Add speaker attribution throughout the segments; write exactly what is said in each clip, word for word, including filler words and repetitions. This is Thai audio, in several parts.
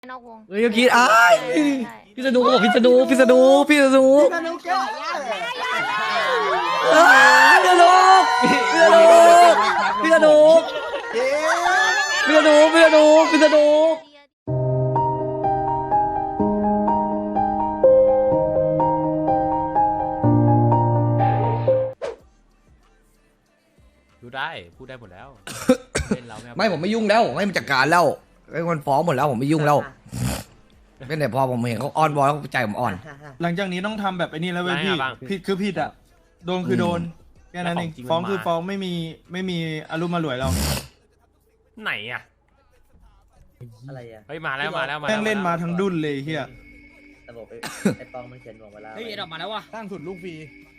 Speaker 1: นอกวง
Speaker 2: เฮ้ยคิดอ้ายพี่สนุกบอกพี่สนุกพี่สนุกพี่สนุกพี่สนุกพี่สนุกพี่สนุกพี่สนุกพี่สนุกพี่สนุก
Speaker 3: ดูได้พูดได้หมดแล้วเป็นเราไม่
Speaker 2: ไม่ผมไม่ยุ่งแล้วให้มันจัดการแล้วไอ้คนฟ้องหมดแล้วผมไม่ยุ่งแล้วเป็นแต่พอผมเห็นเขาอ้อนบอลแล้วใจผมอ่อน
Speaker 4: หลังจากนี้ต้องทำแบบไอ้นี่แล้วเว้ยพี่ผิดคือผิดอ่ะโดนคือโดนแค่นั้นเองฟ้องคือฟ้องไม่มีไม่มีอารมณ์มาหลวยเรา
Speaker 3: ไหนอ่ะ
Speaker 5: อะไรอ่ะ
Speaker 3: เฮ้ยมาแล้วมาแล้วมา
Speaker 4: แม่งเล่นมาทั้งดุนเลยเฮีย
Speaker 5: ระบบไอ้ปองมันเขียนบอกเวลา
Speaker 6: เฮ้ยออกมาแล้ววะ
Speaker 7: ตั้งสุดลูกฟรี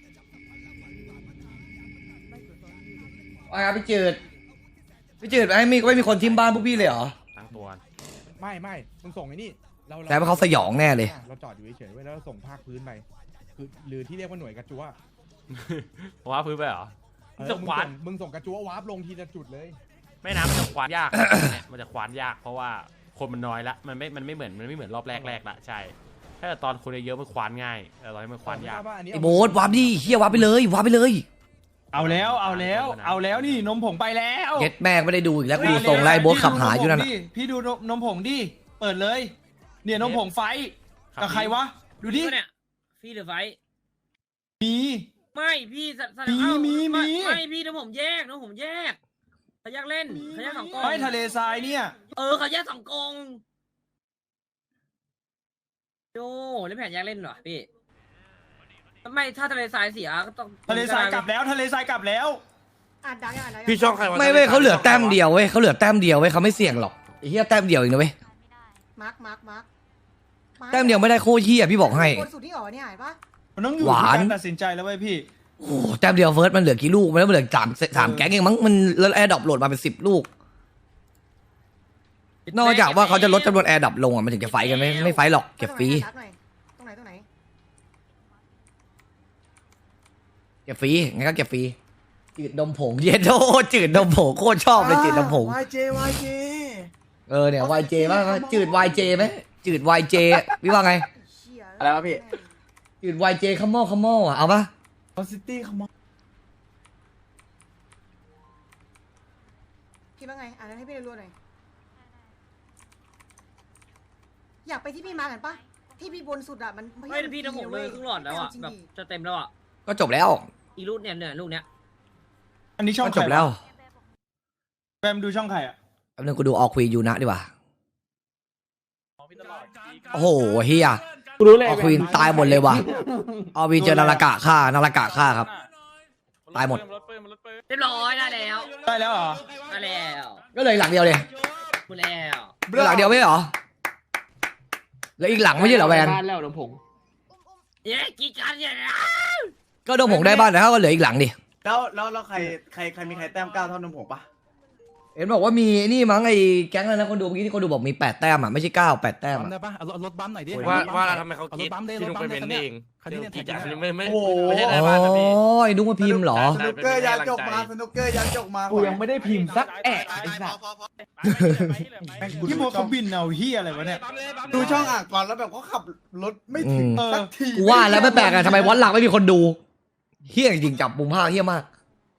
Speaker 2: ว่าครับพี่จืดพี่จืดไม่มีไม่มีคนทิมบ้านพวกพี่เลยเหรอ
Speaker 3: ตั้งตัว
Speaker 7: ไม่ไม่มึงส่งไอ้นี่เรา
Speaker 2: แต่ว่าเขาสยองแน่เลย
Speaker 7: เราจอดอยู่เฉยๆไว้แล้วส่งภาคพื้นไปคือหรือที่เรียกว่าหน่วยกระจัว
Speaker 3: ว้าพื้นไปเหรอ
Speaker 7: ส่งควานมึงส่งกระจัววาร์ปลงทีละจุดเลย
Speaker 3: ไม่นะมันจะควานยากเนี่ยมันจะควานยากเพราะว่าคนมันน้อยละมันไม่มันไม่เหมือนมันไม่เหมือนรอบแรกแรกละใช่ถ้าตอนคนเยอะมันควานง่ายแต่ตอนนี้มันควานยาก
Speaker 2: ไอ้โบ๊ทวาร์ปดิเฮียวาร์ปไปเลยวาร์ปไปเลย
Speaker 4: เอาแล้วเอาแล้วเอาแล้วนี่นมผงไปแล้ว
Speaker 2: เก็ตแม่ไม่ได้ดูอีกแล้วกูส่งไล่โบ๊ทขับหาอยู่นั่น
Speaker 4: พี่ดูนมผงดิเปิดเลยเนี่ยนมผงไฟกับใครวะดูดิ
Speaker 6: เนี่ยพี่หรือไฟ
Speaker 4: มี
Speaker 6: ไม่พี่
Speaker 4: มีมีมี
Speaker 6: ไม่พี่น้องผมแยกน้องผมแยกเขาแยกเล่นเขาแยกสองกอง
Speaker 4: ไม่ทะเลทรายเนี่ย
Speaker 6: เออเขาแยกสองกองโย่เล่นแผนแยกเล่นเหรอพี่ไม่ถ้าทะเลทรายเสียก็ต้อง
Speaker 4: ทะเลทรายกลับแล้วทะเลทรายกลับแล้ว
Speaker 2: พี่ช่องใครไม่เว้ยเขาเหลือแต้มเดียวเว้ยเขาเหลือแต้มเดียวเว้ยเขาไม่เสี่ยงหรอกไอ้เหี้ยแต้มเดียวเองนะเว้ย
Speaker 1: มาร์คมาร์คมาร์ค
Speaker 2: แต้มเดียวไม่ได้โคตรเหี้ยพี่บอกให้
Speaker 1: คนสุดที่อ๋อเนี่ยเห็นปะ
Speaker 4: มันต้องอยู่ที่การตัดสินใจแล้วเว้ยพี่
Speaker 2: โอ้แต้มเดียวเฟิร์สมันเหลือกี่ลูกมันเหลือสามสามแก๊งเองมั้งมันแล้วแอร์ดรอปโหลดมาเป็นสิบลูกนอกจากว่าเขาจะลดจำนวนแอร์ดรอปลงอ่ะมันถึงจะไฟกันไม่ไม่ไฟหรอกเก็บฟรี
Speaker 1: ตรงไหนตรงไหน
Speaker 2: เก็บฟรีงั้นก็เก็บฟรีจืดนมผงเย็นโอ้จืดนมผงโคตรชอบเลยจืดนมผง
Speaker 8: วาย เจ วาย เจ
Speaker 2: เออเนี่ยวายเจมากจืดวายเจไหมจืดวายเจพี่ว่าไง
Speaker 8: อะไรวะพี่
Speaker 2: จืดวายเจคัมโม่คัมโม่อ่ะเอาปะ
Speaker 8: คอนซิตี้คัมโม่
Speaker 1: คิดว่าไงอ่านให้พี่รู้หน่อยอยากไปที่พี่มากันปะที่พี่บนสุดอ่ะมัน
Speaker 6: ไม่พี่น้องผมเลยครึ่งหลอดแล้วอ่ะแบบจะเต็มแล้วอ่ะ
Speaker 2: ก็จบแล้ว
Speaker 6: อีลูกเนี่ยเนี่ยลูกเนี้ย
Speaker 4: อันนี้ช่อง
Speaker 2: จบแล้ว
Speaker 4: แบมดูช่องใครอ่ะ
Speaker 2: แป๊บนึงกูดูออควีนยูนะดีกว่าโอ้โหเฮียออควีนตายหมดเลยว่ะออวีเจอนาฬกะฆ่านาฬกะฆ่าครับตายหมด
Speaker 6: เรียบร้อยได้แล้ว
Speaker 4: ได้แล้วเหรอ
Speaker 6: ได้แล้ว
Speaker 2: ก็เลยหลังเดียวเลย
Speaker 6: หมดแล้ว
Speaker 2: หลังเดียวไม่เหรอแล้วอีกหลังไม่ใช่เหรอแวน
Speaker 6: แล้วดงผงเย้กี่การเนี่ย
Speaker 2: ก็ดงผงได้บ้านแล้วก็เหลืออีกหลังดิ
Speaker 8: แล้วแล้วแล้วใครใครใครมีใครแต้มเก้าเท่านมผงปะ
Speaker 2: เห็นบอกว่ามีนี่มั้งไอ้แก๊งอะไรนะคนดูเมื่อกี้ที่คนดูบอกมีแปดแต้มอ่ะไม่ใช่เก้าแปดแต้ม
Speaker 7: ได้ปะเอารถบัมหน่อยดิ
Speaker 3: ว่าว่าทำไมเขาคิดที่ลุงไปเป็นเอง
Speaker 7: คันนี้
Speaker 3: กี่จ่าไม่ไม่
Speaker 2: ไม่ใช่ได้บ้านนะพี่อ๋อไอ้ดุ้งมาพิมพ์เหรอ
Speaker 8: สนุกเกอร์ยันจกมาสนุกเกอร์ยันจกมา
Speaker 7: กูยังไม่ได้พิมพ์สักแอะไอ้สัส
Speaker 4: ที่โมเขาบินเอาเฮียอะไรวะเนี่ย
Speaker 8: ดูช่องอ่างก่อนแล้วแบบเขาขับรถไม่ถึงสักที
Speaker 2: กูว่าแล้วไม่แปลกอะทำไมวัดหลักไม่มีคนดูเฮี้ยจริงจับมุมภาพเฮี้ยมาก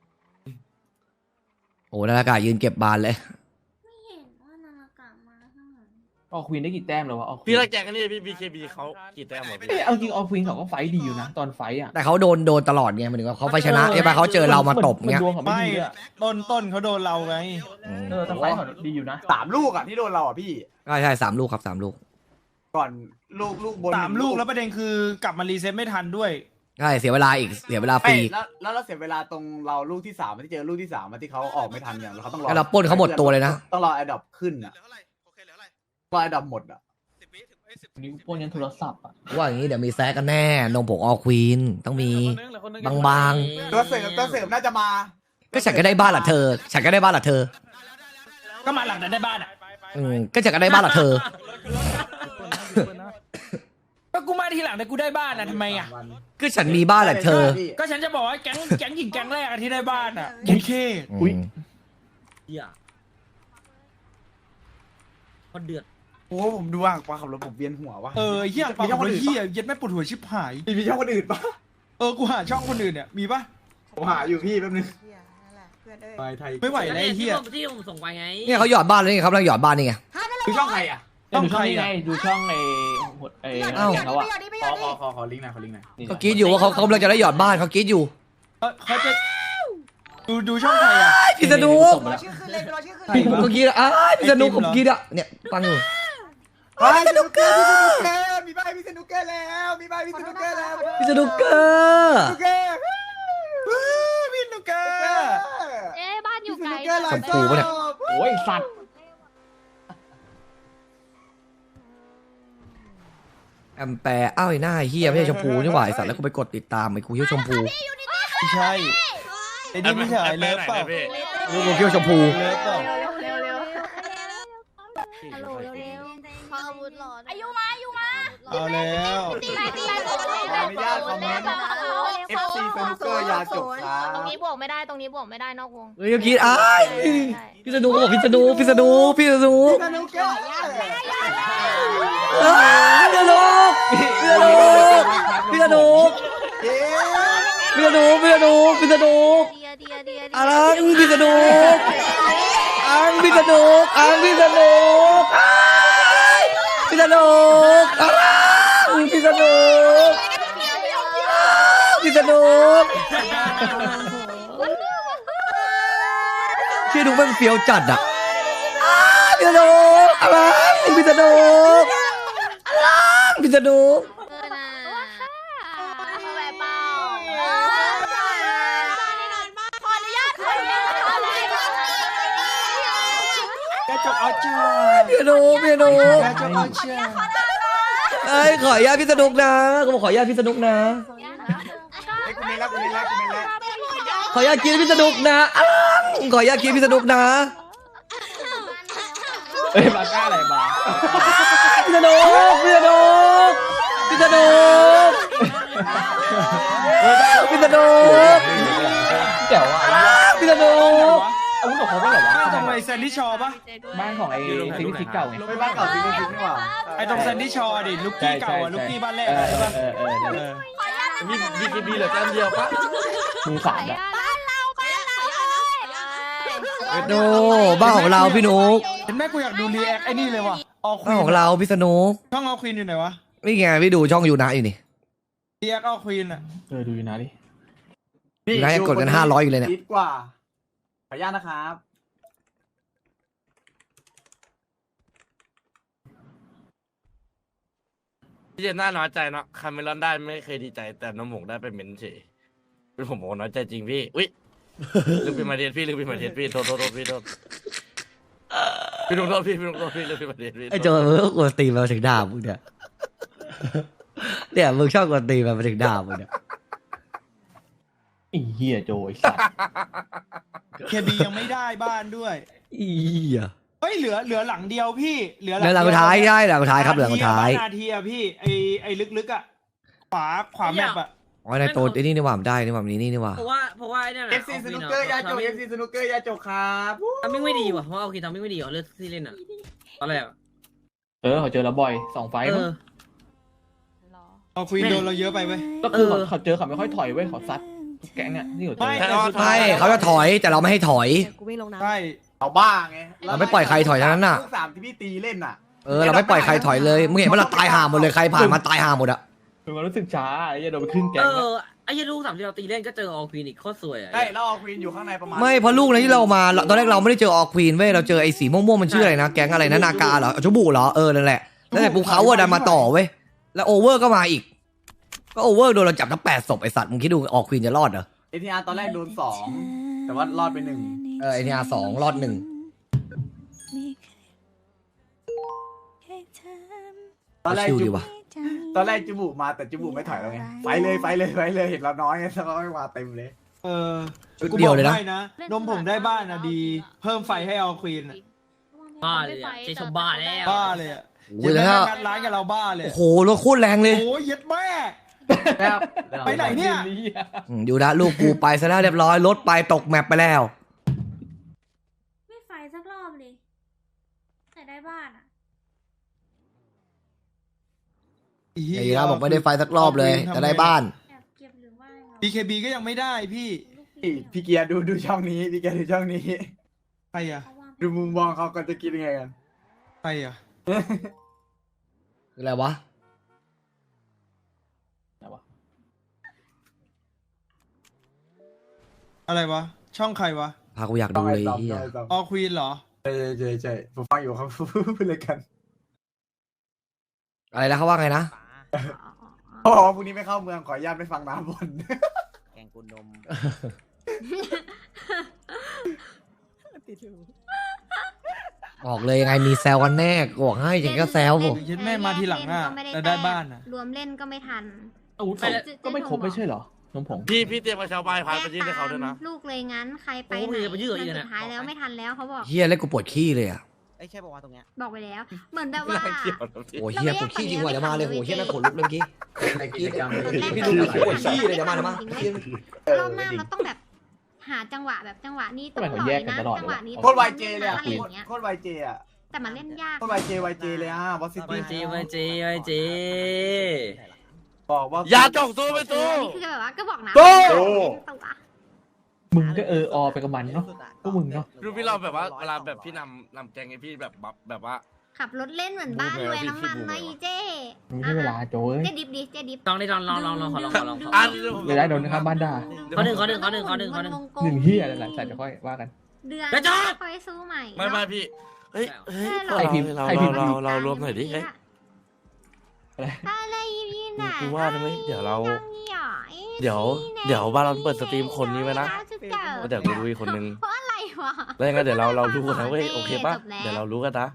Speaker 2: โอ้นาฬกะยืนเก็บบานเลย
Speaker 1: ไม่เห็นว่านาฬกะมาข้างหลัง
Speaker 6: ออกควีนได้กี่แต้มแล้ววะ
Speaker 3: พี่รักแจงกันนี่พี่บีเคบีเขากี่แต้มหมดพี่
Speaker 6: เอาจริงออกควีนเขาก็ไฟดีอยู่นะตอนไฟอ่ะ
Speaker 2: แต่เขาโดนโดนตลอดไงหมายถึงว่าเขาไฟชนะใช่ปะเขาเจอเรามาตบเงี้ย
Speaker 4: ไม่ต้นต้นเขาโดนเราไง
Speaker 6: เออแต่ไฟเขาดีอยู่นะ
Speaker 8: สามลูกอ่ะที่โดนเราอ่ะพี่
Speaker 2: ใช่ใช่สามลูกครับสามลูก
Speaker 8: ก่อนลูกลูกบน
Speaker 4: สามลูกแล้วประเด็นคือกลับมารีเซ็ตไม่ทันด้วย
Speaker 2: ใช่เสียเวลาอีกเสียเวลาฟรี
Speaker 8: แล้วแล้วเราเสียเวลาตรงเราลูกที่สามที่เจอลูกที่สามที่เขาออกไม่ทันเนี่ยเขาต้องรอ
Speaker 2: เราปล้นเขาหมดตัวเลยนะ
Speaker 8: ต้องรอไอ้ดอกขึ้นอ่ะรอไอ้ดอกหมดอ่ะ
Speaker 6: นิ้วปล้นยันโทรศัพท์อ่ะ
Speaker 2: ว่าอย่างนี้เดี๋ยวมีแซกกันแน่นมผงออควีนต้องมีบางบาง
Speaker 8: ตัวเสริมตัวเสริมน่าจะมา
Speaker 2: ก็ฉันก็ได้บ้านละเธอฉันก็ได้บ้านละเธอ
Speaker 4: ก็มาหลังนั้นได้บ้านอ่ะ
Speaker 2: อืมก็ฉันก็ได้บ้านละเธอ
Speaker 6: ก็กูมาทีหลังแต่กูได้บ้านอ่ะทำไมอ่ะ
Speaker 2: ก็ฉันมีบ้านแหละเธอ
Speaker 6: ก็ฉันจะบอกว่าแก๊งแก๊งหญิงแก๊งแรกที่ได้บ้านอ่ะ
Speaker 4: โอเคอุ้ย
Speaker 6: เฮียพอเดือด
Speaker 8: โอ้ผมดูอ่างปลาขับรถผมเวียนหัววะ
Speaker 4: เออเหี้ยปากคนเหี้ยเย็ดแม่ปวดหัวชิบหาย
Speaker 8: มีมีช่องคนอื่นปะ
Speaker 4: เออกูหาช่องคนอื่นเนี่ยมีปะ
Speaker 8: ผมหาอยู่พี่แป๊บนึง
Speaker 1: เหี้ยนั่นแหละเพื่อนเอ้ย
Speaker 8: ไปไทย
Speaker 4: ไม่ไหวแล้วไอ้เหี้ย
Speaker 6: ที่ผมที่ผมส่งไปไง
Speaker 2: เนี่ยเขาหยอดบ้านแล้วนี่ครับกำลังหยอดบ้านนี่ไง
Speaker 1: ห้านั่นแหละ
Speaker 8: ดูช่องใครอ่ะ
Speaker 4: ช่อง
Speaker 9: ดู
Speaker 4: ใค
Speaker 9: ช่
Speaker 4: ร
Speaker 9: องนี้ไง
Speaker 4: อ่ะ
Speaker 9: ดูช่องไอ้ไอ้
Speaker 1: หยอด
Speaker 9: ไอ้
Speaker 1: ดิหยอด
Speaker 9: เขา
Speaker 1: ดิ
Speaker 9: อะ
Speaker 1: หยอดดิหย
Speaker 8: ข
Speaker 1: อ
Speaker 8: อ
Speaker 1: ด
Speaker 8: ข
Speaker 1: ดิ
Speaker 8: อขอขอลิงก์หน่อยขอลิงก์หน่อย
Speaker 2: เขากรีดอยู่ว่าเขาเขากำลังจะได้หยอดบ้านเขากรีดอยู่
Speaker 4: เออเขาจะดูดูช่องใครอ่ะ
Speaker 2: พี่สนุก
Speaker 1: รอชื่อขึ้นเลยรอชื่อขึ้น
Speaker 4: ใคร
Speaker 1: เลย
Speaker 4: วะ
Speaker 2: เมื่อกี้อ่ะพี่สนุกผมกรีดอ่ะเนี่ยฟังอยู่
Speaker 8: ไปสนุกเกอร์พี่สนุกเกอร์มีใบพี่สนุกเกอร์แล้วมีใบพี่สนุกเกอร์แล้ว
Speaker 2: พี่สนุกเกอร์
Speaker 8: สนุกเกอร์
Speaker 4: พี่นุกเกอร์
Speaker 10: เอ๊ะบ้านอยู่ไกล
Speaker 8: พี่สนุกเกอร์หลาย
Speaker 2: ชมพูปะเนี่ย
Speaker 9: โอ้ยสัตว์
Speaker 2: แอมแปร์อ้าวไอ้หน้าเฮียไม่ใช่ชมพูนี่หว่าไอ้สัตว์แล้วกูไปกดติดตามไอ้กูเฮียชมพู
Speaker 4: ไม่ใช่ไอ้นี่ไม่ใช่ไอ้เลิฟเปล่า
Speaker 2: กูกูเฮียชมพู
Speaker 4: เลิฟเปล่า
Speaker 10: เร็วเร็วฮัลโหลเร็วพออาวุธหลอดอายุมาอายุมา
Speaker 4: เอาแล้ว
Speaker 10: ตีไปตีไป
Speaker 8: ขออนุญาตคอมเมนต์ เอฟ ซี สนุกเกอร์ยาจบครับ
Speaker 10: ตรงนี้บวกไม่ได้ตรงนี้บวกไม่ได้นอกวง
Speaker 2: เฮ้ยเมื่อกี้อ้ายพี่สนุกเขาบอกพี่สนุกพี่สนุกพี่สนุก
Speaker 8: สนุกเกอร์
Speaker 2: อ้ายพี่สนุกพี่สนุกพี่สนุก
Speaker 8: เย้
Speaker 2: พี่สนุกพี่สนุกพี่สนุก
Speaker 10: เดียเดียเดีย
Speaker 2: อังพี่สนุกอังพี่สนุกอังพี่สนุกอ้ายพี่สนุกอังพี่สนุกพี่สนุกพี่ดูมันเฟี้ยวจัดอ่ะอ้ายพี่สนุกอะไรพี่สนุกอะไรพี่สนุก
Speaker 10: เออนะมาแบบเปล่าขออนุญาตขออนุญาตขออนุญาต
Speaker 4: กระจกเอาจ้า
Speaker 2: พี่สนุกพี่สนุก
Speaker 4: กระจกเอาจ้า
Speaker 2: เอ้ยขออนุญาตพี่สนุกนะก็บอกขออนุญาตพี่สนุกนะ
Speaker 8: ไอ้กูมีแล้วกูมีแล้วกูมีแล้ว
Speaker 2: ขออนุญาตกินพี่สนุกนะอ้าวขออนุญาตกินพี่สนุกนะ
Speaker 9: เอ้ยมาก้าอะไรมา
Speaker 2: พี่สนุกพี่สนุกพี่สนุกพี่สนุก
Speaker 9: เจ๋วอ่ะ
Speaker 2: พี่สนุก
Speaker 9: อาวุธของเขาไม่เหรอวะ
Speaker 4: บ้านตรงไอ้แซนดี้ชอปะ
Speaker 9: บ้านของไอ้ซิกซิกเก่าไง
Speaker 8: ไปบ้านเก่าจริงจริงนี่หว่า
Speaker 4: ไอ้ตรงแซนดี้ชอดิลูกกี้เก่าอ่ะลูกกี้บ้านแรก
Speaker 9: เอ
Speaker 4: อะ
Speaker 9: อ
Speaker 4: ใช่ปะ
Speaker 9: เออเออเออ
Speaker 4: เออ
Speaker 9: มีบีคีบีเหลือแต้มเดียวปะมือสามอะ
Speaker 10: บ้านเราบ้านเราเลย
Speaker 2: โนบ้านของเราพี่นุก
Speaker 4: เห็นไหมกูอยากดูรีแอคไอ้นี่เลยว่ะออค
Speaker 2: บ้าน
Speaker 4: วี
Speaker 2: ของเราพี่สนุก
Speaker 4: ช่องออควีนอยู่ไหนวะ
Speaker 2: นี่ไงพี่ดูช่องยูนะอยู่นี่
Speaker 4: รีแอคออควีนอ่ะ
Speaker 9: เออดูอยู่นะดิ
Speaker 2: ยูนะยังกดกันห้าร้อยอยู่เลยเนี่ย
Speaker 8: คิดกว่าขออนุญาตนะครับ
Speaker 11: พี่เจนน่าน้อยใจเนาะคาเมรอนได้ไม่เคยดีใจแต่น้ำหมกได้ไปเม้นเฉยเป็นผมบอกน้อยใจจริงพี่อุ้ยลืมเป็นมาเดียนพี่ลืมเป็นมาเดียนพี่โทษโทษโทษพี่โทษพี่ลุงโทษพี่พี่ลุงโทษพี่ลืมเป็นมาเดียนพี่
Speaker 2: ไอ้โจมึงก็กวนตีนมาถึงด่ามึงเนี่ยเนี่ยมึงชอบกวนตีนมาถึงด่ามึงเนี่ย
Speaker 9: ไอ้เหี้ยโจไอ้สัตว์
Speaker 4: เคบียังไม่ได้บ้านด้วย
Speaker 2: อีอ่ะ
Speaker 4: เฮ้ยเหลือเหลือหลังเดียวพี่เหลือ
Speaker 2: เหลือหลังสุดท้ายใช่หลังสุดท้ายครับเหลือหลังสุดท้าย
Speaker 4: นาทีอะพี่ไอไอลึกๆอะขวาขวาแมปอะ
Speaker 2: อ๋อในตัวไอ้นี่นี่หว่ามันได้นี่หว่ามันนี่นี่ว่ะ
Speaker 6: เพราะว่าเพราะว่าไอ้เนี่ย
Speaker 8: เอฟซีสนุกเกอร์ยาจบเอฟซีสนุกเกอร์ยาจบครับ
Speaker 6: ทำไม่ไม่ดีว่ะเพราะว่าโอเคทำไม่ไม่ดีเหรอเลือกที่เล่นอ่ะตอนแรกอะ
Speaker 9: เออเขาเจอแล้วบ่อยสองไฟ
Speaker 6: เอ
Speaker 9: มั้ง
Speaker 6: อ
Speaker 4: ออควีนโดนเราเยอะไปไหม
Speaker 9: ก็คือ
Speaker 6: เออ
Speaker 9: เขาเจอเขาไม่ค่อยถอยเว้ยเขาซัดทุกแก๊งเนี่ยที่อยู่เจอ
Speaker 4: ไม่แต่สุดท้า
Speaker 2: ไม่
Speaker 4: ย
Speaker 2: เขาจะถอยแต่เราไม่ให้ถอย
Speaker 1: กูวิ่งลงน้ำ
Speaker 4: ใช่
Speaker 8: เอาบ้าไง
Speaker 2: เราไม่ปล่อยใครถอยทั้งนั้นน่ะ
Speaker 8: ลูกสามที่พี่ตีเล่นน่ะ
Speaker 2: เออเราไม่ปล่อยใครถอยเลยมึงเห็นว่าเราตายห่าหมดเลยใครผ่านมาตายห่าหมดอะ
Speaker 9: คือมันรู้สึกช้าไอ้เหี้ยโดนไปครึ่งแก๊
Speaker 6: เอง
Speaker 9: แล้ว
Speaker 6: อไอ้ยันลูกสามที่เราตีเล่นก็เจอออควีนอีกโคตรสวยอ่ะ
Speaker 8: ใช่แล้วเอาควีนอยู่ข้างในประมาณ
Speaker 2: ไม่เพราะลูกนั้นที่เรามาตอนแรกเราไม่ได้เจอออควีนเว้ยเราเจอไอ้สีม่วงๆมันชื่ออะไรนะแก๊งอะไรนะนากาเหรอชบุเหรอเออนั่นแหละแล้วแต่ปูเขาอะดันมาต่อเว้ยแล้วโอเวอร์ก็มาอีก ก็โอเวอร์โดนเราจับทั้งแปดศพไอสัตว์มึงคิดดูออควีนจะรอดเหรอ
Speaker 8: เอทีอาร์ตอนแรกโดนสองแต่ว่ารอดไปหนึ่ง
Speaker 2: เออไอเนี่ยสองรอดหนึ่ง
Speaker 8: ตอนแรก
Speaker 2: ชิว
Speaker 8: จุ
Speaker 2: ดี
Speaker 8: บุ
Speaker 2: ว่ะ
Speaker 8: ตอนแรกจุบุมาแต่จุบุไม่ถอยแล้วไงไปเลยไปเลยไปเลยเห็นเราน้อยไงแล้วก็ไม่มาเต็มเลย
Speaker 4: เออ
Speaker 2: ชุด
Speaker 4: กู
Speaker 2: เดี
Speaker 4: บ
Speaker 2: ยว
Speaker 4: อก
Speaker 2: เลยนะ
Speaker 4: ได้นะนมผมได้บ้านอะดี เพิ่มไฟให้ออควีนอะ
Speaker 6: บ้าเลยอะเจชมบ้าแล้ว
Speaker 4: บ้าเลยอะ
Speaker 2: โอ้ยแล้วถ้า
Speaker 4: งัดร้านกับเราบ้าเลย
Speaker 2: โอ้โหรถโคตรแรงเลย
Speaker 4: โอ้ยเย็ดแม่
Speaker 8: ครับ
Speaker 4: ไปไหนเนี่ย
Speaker 2: อืมอยู่นะลูกกูไปซะแล้วเรียบร้อยรถไปตกแมปไปแล้ว
Speaker 10: ไม่ไฟสักรอบเลยแต่ได้บ้านอ่ะ
Speaker 2: ไอ้นะบอกไม่ได้ไฟสักรอบเลยแต่ได้บ้าน
Speaker 4: บี เค บี ก็ยังไม่ได้พี่
Speaker 8: พี่เกียร์ดูดูช่องนี้พี่เกียร์ดูช่องนี้
Speaker 4: ใครอ่ะ
Speaker 8: ดูมุมมองเขาก็จะคิดยังไงกัน
Speaker 4: ใครอ่ะ
Speaker 2: อะไรวะ
Speaker 4: อะไรวะ ช่องใครวะ
Speaker 2: พากูอยากดูเลย
Speaker 8: ต้อง
Speaker 2: ที่
Speaker 8: ไอ้ต้อม
Speaker 4: ออควีนเหรอ
Speaker 8: ใช่ใช่ใช่ผมฟังอยู่ครับ พูดเลยกัน
Speaker 2: อะไรนะเขาว่าไงนะ
Speaker 8: อ๋อพรุ่งนี้ไม่เข้าเมืองขออนุญาตไม่ฟังน้ำบน
Speaker 5: แกงกุนนม
Speaker 2: บอกเลยยังไงมีแซวกันแน่กูบอกให้จริงก็แซวผม
Speaker 4: เย็นแม่มาทีหลังอ่ะแต่ได้บ้านอ่ะ
Speaker 10: รวมเล่นก็ไม่ทัน
Speaker 6: อาวุธก็ไม่ครบไม่ใช่เหรอ
Speaker 7: น้องผง
Speaker 11: พี่พี่เตรียมกระเช้าใบพายไปยื่นให้เขาด้วยนะ
Speaker 10: ลูกเลยงั้นใครไป
Speaker 6: โอ้
Speaker 10: ไหน
Speaker 6: ยไปยื่นอีก
Speaker 10: มัน
Speaker 6: นะ
Speaker 10: สุดท้ายแล้วไม่ทันแล้วเขาบอก
Speaker 2: เฮียเล่นกูปวดขี้เลยอ่ะ
Speaker 5: ไอ้ใช่บอกว่าตรงเนี้ย
Speaker 10: บอกไปแล้ว เหมือนแบบว่า
Speaker 2: โอ้เฮียปวดขี้จริงว่ะเดี๋ยวมาเลยโหเฮียน่าขนลุกเลยเมื่อกี้
Speaker 8: กิจกรรม
Speaker 2: พี่ดูปวดขี้เลยเดี๋ยวมาเดี๋ยวมาร
Speaker 10: อบหน้ามันต้องแบบหาจังหวะแบบจังหวะนี้ต้องหน่อยนะจังหวะนี้
Speaker 8: โคตรไวเจเลยอ่ะ
Speaker 10: อะไรอย่างเงี้ย
Speaker 8: โคตรไวเจอ่ะ
Speaker 10: แต่มันเล่นยาก
Speaker 8: โคตรไวเจไวเจเลยอ่ะบอสซิ
Speaker 6: ไป
Speaker 8: ตี้
Speaker 6: จีไปจีไปจี
Speaker 8: บอกว่า
Speaker 11: อย่าจกสู้ไป
Speaker 10: เอ
Speaker 11: สู้
Speaker 10: อนี่คือแบบว่าก็บอกนะ
Speaker 8: โต้
Speaker 10: ตัว
Speaker 7: มึงก็เอออไปกับมันเนาะก็มึงเนาะ
Speaker 11: ดูพี่เราแบบว่าเวลาแบบพี่นำนำแกงให้พี่แบบแบบแบบว่า
Speaker 10: ขับรถเล่นเหมือนบ้านรวยน้ำมันนะอีเจ้
Speaker 7: มึงไม่ใช่เวลาโจ้ย
Speaker 10: เจ๊ดิบดิเจ๊ดิบ
Speaker 6: ลองดิลองลองลองลองขอลองขอลองขอ
Speaker 11: อ่ะ
Speaker 7: เลยได้โดนนะครับบ้านด่า
Speaker 6: ขอหนึ่งขอหนึ่งขอหนึ่งขอหนึ่งขอหนึ่ง
Speaker 7: หนึ่งเฮียอะไรหลังจากจะค่อยว่ากัน
Speaker 10: เดือน
Speaker 6: กระจอก
Speaker 10: ค่อยสู้ใหม่
Speaker 11: ไม่ไม่พี่เฮ้ยเฮ้ย
Speaker 7: ใครพิมพ์
Speaker 11: เรา
Speaker 7: ใครพิมพ์
Speaker 11: เราเรารวมหน่อยดิเฮ้ย
Speaker 7: อะไร
Speaker 10: อะไรยี่น่ะ
Speaker 11: กูว่าได้ไหมเดี๋ยวเรา
Speaker 10: จังนี่หรอไอ้
Speaker 11: เดี๋ยวเดี๋ยวบาลอนเปิดสตรีมคนนี้ไว้นะ
Speaker 10: จุดเกิด
Speaker 11: เดี๋ยวกูดูอีกคนนึง
Speaker 10: เพราะอะไรวะ
Speaker 11: แล้วยังไงเดี๋ยวเราเรารู้กันนะเว้ยโอเคปะ
Speaker 10: จบแล้ว
Speaker 11: เดี๋ยวเรารู้กันนะ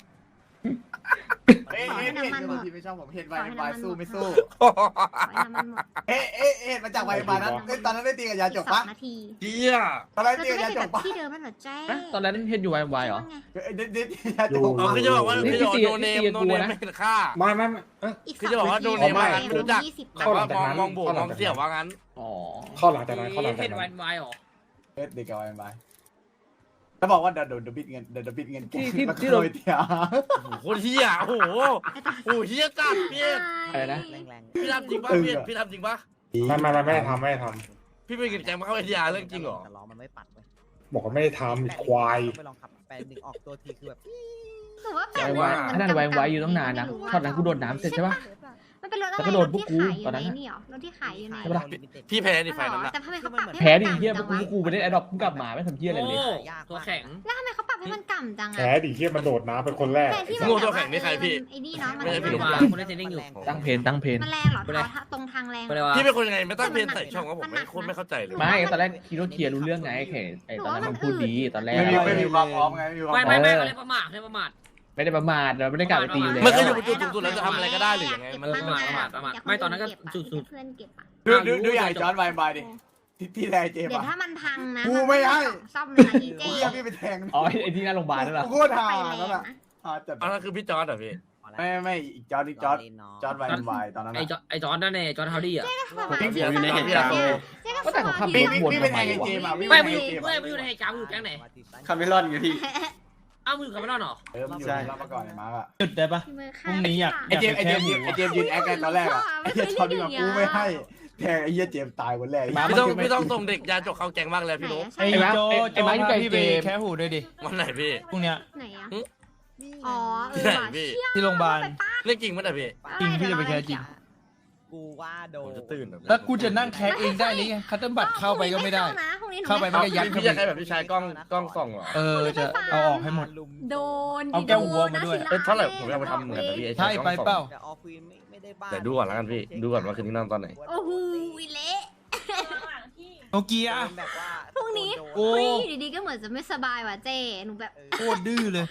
Speaker 8: เอ๊ะเอ๊ะเอ๊ะบางทีไม่ชอบผมเห็นไวไวสู้ไม่สู้
Speaker 10: ขอให้น้ำมันหมด
Speaker 8: เอ๊ะเอ๊ะเอ๊ะมาจากไวไฟนั้นเอ้ยตอนนั้นได้ตีกับยาจก
Speaker 10: อีกสอ
Speaker 8: ปะ
Speaker 10: งนาที
Speaker 11: เฮีย
Speaker 8: ตอนนั้น
Speaker 10: เรา
Speaker 8: ตี
Speaker 10: จะ
Speaker 8: กับ
Speaker 10: ไม่
Speaker 8: ยา
Speaker 10: ได้
Speaker 8: จ
Speaker 10: แบบ
Speaker 8: กปะ
Speaker 10: ที่เดิมมันเหรอเจ้
Speaker 7: ตอนนั้นเห็นอยู่วายวายเหรอ
Speaker 8: เอ้ยเด็ดเด็ดยาจก
Speaker 11: อ๋อคือจะบอกว่าคือจะบอกว่าโนเนมโนเนมไม่เห็นค่า
Speaker 9: ไม่ไม่ไม่เอ้ย
Speaker 10: อีก
Speaker 11: คือจะบอกว่าโดนเนมว่างั้นไม่รู้จัก
Speaker 10: ยี่สิบ
Speaker 11: แต่ว่ามองมองโบมองเสี่ยวว่างั้น
Speaker 7: อ๋อ
Speaker 9: เข้าหลังจากนั้นเข้าหลังจา
Speaker 6: เห็
Speaker 9: ก
Speaker 6: น
Speaker 9: นั้
Speaker 6: วัน นวายหรอ
Speaker 8: เอ๊ะเด็กกับไวไฟแล้วบอกว่าเดี๋ยวเดี๋ยวบิดเงินเดี๋ยวบิดเงินแกแล้วก็โรยเตีย
Speaker 11: โอ้โหโคตรเฮียโอ้โหโอ้โหเฮียจัดพี่
Speaker 7: อะไรนะ
Speaker 5: แรง
Speaker 11: พี่ทำจริงปะพี่พี่ทำจริงปะ
Speaker 9: ไม่ไม่ไม่ไม่ได้ทำไม่ได้ท
Speaker 11: พี่ไปกินแกงมาเข้าไอทีอาร์เรื่องจริงเหรอ
Speaker 5: แต่ล้อมันไม่ปัดเว้ย
Speaker 9: ำบอกว่าไม่ได้ทำควาย
Speaker 5: ไปลองขับแปดหนึ่งออกตัวทีคือแบบ
Speaker 10: หรือว่าแป
Speaker 11: ใจ
Speaker 10: ด
Speaker 11: ว่า
Speaker 7: ขนาดวายวายอยู่ตั้งนานนะตอนนั้นกูโดดน้ำเสร็จใช่ปะ
Speaker 10: มันเป็นรถอะไร
Speaker 7: แล้วก็โดนพวกกู
Speaker 10: รถที่ขายอยู่
Speaker 7: ตอนนั้น
Speaker 10: ใน
Speaker 7: น่ะ
Speaker 10: นี่เหรอรถที่ขายอยู่ใน
Speaker 7: ใช่ปะล่ะ
Speaker 11: พี่แพ้ในไฟนั้นนะ
Speaker 10: แต่ทำไมเขาปรับให้มัน
Speaker 7: แพ้ดิเฮีย
Speaker 10: ต่ำ
Speaker 7: พวก
Speaker 10: จัง
Speaker 7: กู
Speaker 10: วะ
Speaker 7: ไปได้ไอ้ดอกกูกลับมาไม่ทำเฮียอะไรเลย
Speaker 6: โอ้ตัวแข็ง
Speaker 10: แล้วทำไมเขาปรับให้มันต่ำจังอะ
Speaker 9: แพ้ดิที่มันโดดน้ำเป็นคนแรก
Speaker 10: แต่ที่มัน
Speaker 11: งู
Speaker 10: แบบ
Speaker 11: ตัว
Speaker 10: ว่า
Speaker 11: แข็งนี่ใครพี่
Speaker 10: ไอ้นี่เนาะมัน
Speaker 11: ไม่ใช่พี่
Speaker 6: ไม่
Speaker 11: ลู
Speaker 6: รู้
Speaker 11: ก
Speaker 6: ว่า
Speaker 11: หลาน
Speaker 6: คนเล่นเทรนนิ่งอยู่
Speaker 7: ตั้งเพนตั้งเพน
Speaker 10: มันแรงเหรอเขาตรงทางแรง
Speaker 6: ไม่ได้ว่า
Speaker 11: พี่เป็นคนยังไงไม่ตั้งเพลงใส่ช่องก็ผมไม่โคตรไม่เข้าใจเลย
Speaker 7: ไม่ตอนแรกคิดว่าเคลียร์รู้เรื่องไงแค่ไอ้ตอนนั้นมันพูดดีตอนแรก
Speaker 8: ไม่มีไม่มีความพร้อมไงไม่มีความพ
Speaker 6: ไม่
Speaker 8: ร้อม
Speaker 6: ไม่ไม่เขาเรียกประมาทเรียกประมาท
Speaker 7: ไม่ได้ประมาทเราไม่ได้กลับไปตีอยู่แล้ว
Speaker 11: มันก็อยู่บนจุดสูงสุดแล้วจะทำอะไรก็ได้หรือยังไงมัน
Speaker 6: ประมาทประมาทประมาทไม่ตอนนั้นก็สุดๆ
Speaker 10: เพื่อนเก็บอะ
Speaker 8: ดูดูดูใหญ่จอนไวไฟดิที่ที่แรเจม
Speaker 10: เดี๋ยว
Speaker 8: อะ
Speaker 10: ถ้ามันพังนะ
Speaker 8: กูไม่ให้
Speaker 10: ซ่อมเลยนะอีเจ
Speaker 8: กูอยากพี่ไปแทง
Speaker 7: อ๋อไอ้ที่หน้าโรงพยาบาลนั่นเหรอ
Speaker 8: โคตรฮา
Speaker 10: ไปแร
Speaker 8: นั่น
Speaker 10: ง
Speaker 8: แหละ
Speaker 10: นะ
Speaker 8: ฮาจัด
Speaker 11: อันนั้นคือพี่จอร์ดเหรอพี่
Speaker 8: ไม่ไม่อีกจอร์ดอีกจอร์ดจอร์ดไวไฟตอนนั้น
Speaker 6: ไอ้จอไอ้จอนนั่นเองจอนเฮาดี้อ่ะ
Speaker 11: พี่เสียอยู่ในเหตุการณ์
Speaker 7: ก็แต่เขาขับ
Speaker 8: พี่
Speaker 7: รถ
Speaker 8: พี่
Speaker 7: วน
Speaker 8: พี่
Speaker 7: ทำ
Speaker 8: ไป
Speaker 7: ไม
Speaker 8: แทงไอ้
Speaker 7: วะ
Speaker 8: เจมอะพี่
Speaker 6: ไม่
Speaker 8: ไป
Speaker 6: ไม่
Speaker 8: แท
Speaker 6: อง ยู่
Speaker 8: ไอ้เจม
Speaker 6: ไม่ไม่อยู่ในเหตุการณ์อยู่แก๊งไหน
Speaker 8: คาเมลอนไงพี่
Speaker 6: อ้าวมึงอยู่กับไม่รอดหรอ
Speaker 8: เออมันอยู่ในรับมาก่อนไอ้มาร์กอะ
Speaker 4: จุดได้ปะ พรุ่งนี้อยาก
Speaker 8: ไอ้เจมไอ้เจมไอ้เจมยืนแอคกันตอนแรกอะไอ้เจมชอบที่แบบกูไม่ให้แทงไอ้เหี้ยเจมตายคนแรก
Speaker 11: พี่ต้องพี่ต้องส่งเด็กยาจกเข้าแกงบ้างแล้วพี่นุ๊ก
Speaker 10: ใช่
Speaker 4: ไอ้
Speaker 10: ไหน
Speaker 4: โจ
Speaker 7: ไอ้ไม้อยู่
Speaker 4: พา
Speaker 7: ไกล
Speaker 4: พี่
Speaker 7: เจ
Speaker 4: ไป
Speaker 7: ม
Speaker 4: แค่หูด้วยดิ
Speaker 11: วันไหนพี่
Speaker 4: พรุ่งเนี้ย
Speaker 10: ไหนอะอ๋อเอ
Speaker 11: ที่
Speaker 10: อ
Speaker 11: ไหน
Speaker 10: ว่ะ
Speaker 11: พี่
Speaker 4: ที่โรงพยาบาล
Speaker 11: เรื่องจริงมั้ยนะพี่
Speaker 4: จริงพี่จะไปแคสจริง
Speaker 5: กูว่าโด
Speaker 11: ผม
Speaker 5: น
Speaker 11: จะตื่น
Speaker 4: แล้วกูจะนั่งแคสเองได้หรือไงคัตเติ้ลบัตรเข้าไปก็ไม่ได้ เข้าไป
Speaker 11: พี่พี่อยากให้แบบพี่ชายกล้องกล้องส่องเหรอ
Speaker 4: เออจะเอาออกให้หมด
Speaker 10: โดน
Speaker 4: เอาแก้วหัวมาด้วย
Speaker 11: เอ้ยเท่าไหร่ผมอยากไปทำเหมือนกันแต่พี่ไอ้
Speaker 4: ใช่
Speaker 11: ชายกล้อง
Speaker 4: ไป
Speaker 11: ส่อง
Speaker 4: เปล่า
Speaker 5: แต่ออควีนไม่ไม่ได้บ้า
Speaker 11: แต่ดูก่อนแล้วกันพี่ดูก่อนว่าคืนนี้นอนตอนไหน
Speaker 10: โอ้โหเละ
Speaker 4: โนเกีย
Speaker 5: แบบว่า
Speaker 10: พรุ่งนี้
Speaker 4: โอ้
Speaker 10: พรุ่งนี้อยู่ดีๆก็เหมือนจะไม่สบายว่ะเจ้หนูแบบ
Speaker 4: โคตรดื้อเลย